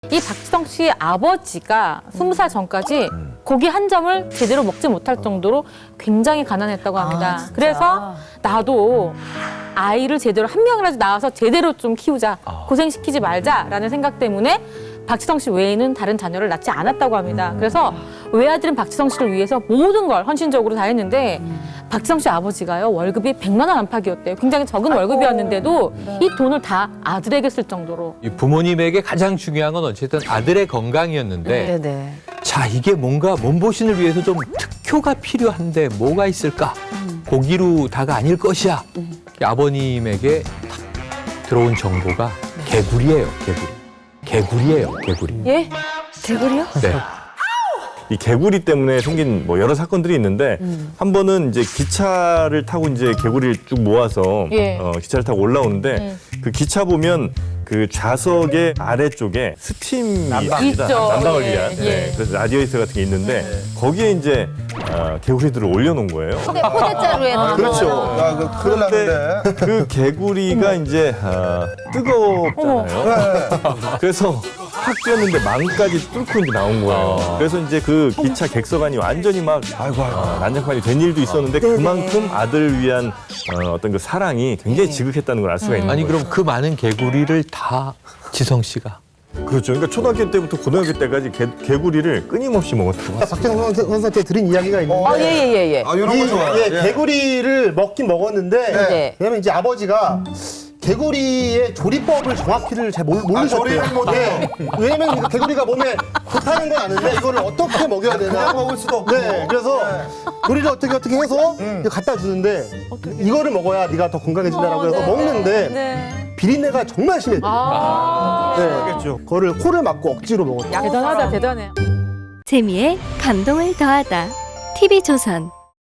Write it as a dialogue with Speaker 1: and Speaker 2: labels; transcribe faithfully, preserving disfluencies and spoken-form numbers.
Speaker 1: 이 박지성 씨의 아버지가 스무 살 전까지 고기 한 점을 제대로 먹지 못할 정도로 굉장히 가난했다고 합니다.
Speaker 2: 아,
Speaker 1: 그래서 나도 아이를 제대로 한 명이라도 낳아서 제대로 좀 키우자,
Speaker 3: 아.
Speaker 1: 고생시키지 말자라는 생각 때문에 박지성 씨 외에는 다른 자녀를 낳지 않았다고 합니다. 그래서 외아들은 박지성 씨를 위해서 모든 걸 헌신적으로 다 했는데 박지성 씨 아버지가요, 월급이 백만 원 안팎이었대요. 굉장히 적은 월급이었는데도 이 돈을 다 아들에게 쓸 정도로.
Speaker 3: 이 부모님에게 가장 중요한 건 어쨌든 아들의 건강이었는데
Speaker 2: 네네.
Speaker 3: 자, 이게 뭔가 몸보신을 위해서 좀 특효가 필요한데 뭐가 있을까? 고기로 다가 아닐 것이야. 아버님에게 탁 들어온 정보가 개구리예요, 개구리. 개구리예요, 개구리.
Speaker 2: 예? 개구리요?
Speaker 3: 네.
Speaker 4: 이 개구리 때문에 생긴 뭐 여러 사건들이 있는데 한 번은 이제 기차를 타고 이제 개구리를 쭉 모아서
Speaker 1: 예.
Speaker 4: 어, 기차를 타고 올라오는데 그 기차 보면 그 좌석의 아래쪽에 스팀이 있습니다.
Speaker 1: 있죠.
Speaker 4: 난방을
Speaker 1: 예,
Speaker 4: 위한.
Speaker 1: 예.
Speaker 4: 네. 그래서 라디에이터 같은 게 있는데 거기에 이제 어, 개구리들을 올려놓은 거예요.
Speaker 2: 포대, 포대자루에 넣어서.
Speaker 4: 그렇죠.
Speaker 5: 야, 그 큰일 났는데.
Speaker 4: 그 개구리가 이제 어, 뜨겁잖아요. 그래서 확 뛰었는데 망까지 뚫고 이제 나온 거예요. 그래서 이제 그 기차 객석안이 완전히 막
Speaker 5: 아이고, 아이고.
Speaker 4: 어, 난장판이 된 일도 있었는데 그만큼 아들을 위한 어, 어떤 그 사랑이 굉장히 지극했다는 걸 알 수가 있는
Speaker 3: 아니
Speaker 4: 거예요.
Speaker 3: 그럼 그 많은 개구리를 다 지성 씨가
Speaker 4: 그렇죠. 그러니까 초등학교 때부터 고등학교 때까지 개, 개구리를 끊임없이 먹었다고.
Speaker 6: 박정선 선수한테 들은 이야기가 있는데
Speaker 2: 아, 예, 예, 예, 예.
Speaker 5: 아, 이런 거 좋아요.
Speaker 6: 예,
Speaker 5: 예.
Speaker 6: 개구리를 먹긴 먹었는데
Speaker 2: 네.
Speaker 6: 왜냐면 이제 아버지가 개구리의 조리법을 정확히를 잘 모르, 모르셨대요.
Speaker 5: 아, 조리를 못해.
Speaker 6: 네. 왜냐면 이거 개구리가 몸에 좋다는 건 아는데 이거를 어떻게 먹여야 되나.
Speaker 5: 그냥 먹을 수도 없고.
Speaker 6: 네, 그래서 조리를 어떻게 어떻게 해서
Speaker 5: 음.
Speaker 6: 이거 갖다 주는데 이거를 먹어야 네가 더 건강해진다라고 해서 먹는데
Speaker 2: 네.
Speaker 6: 비린내가 정말 심했대요.
Speaker 1: 아,
Speaker 6: 네.
Speaker 4: 하겠죠.
Speaker 6: 그거를 코를 막고 억지로 먹었대요.
Speaker 1: 대단하다, 대단해.
Speaker 7: 재미에 감동을 더하다. 티비조선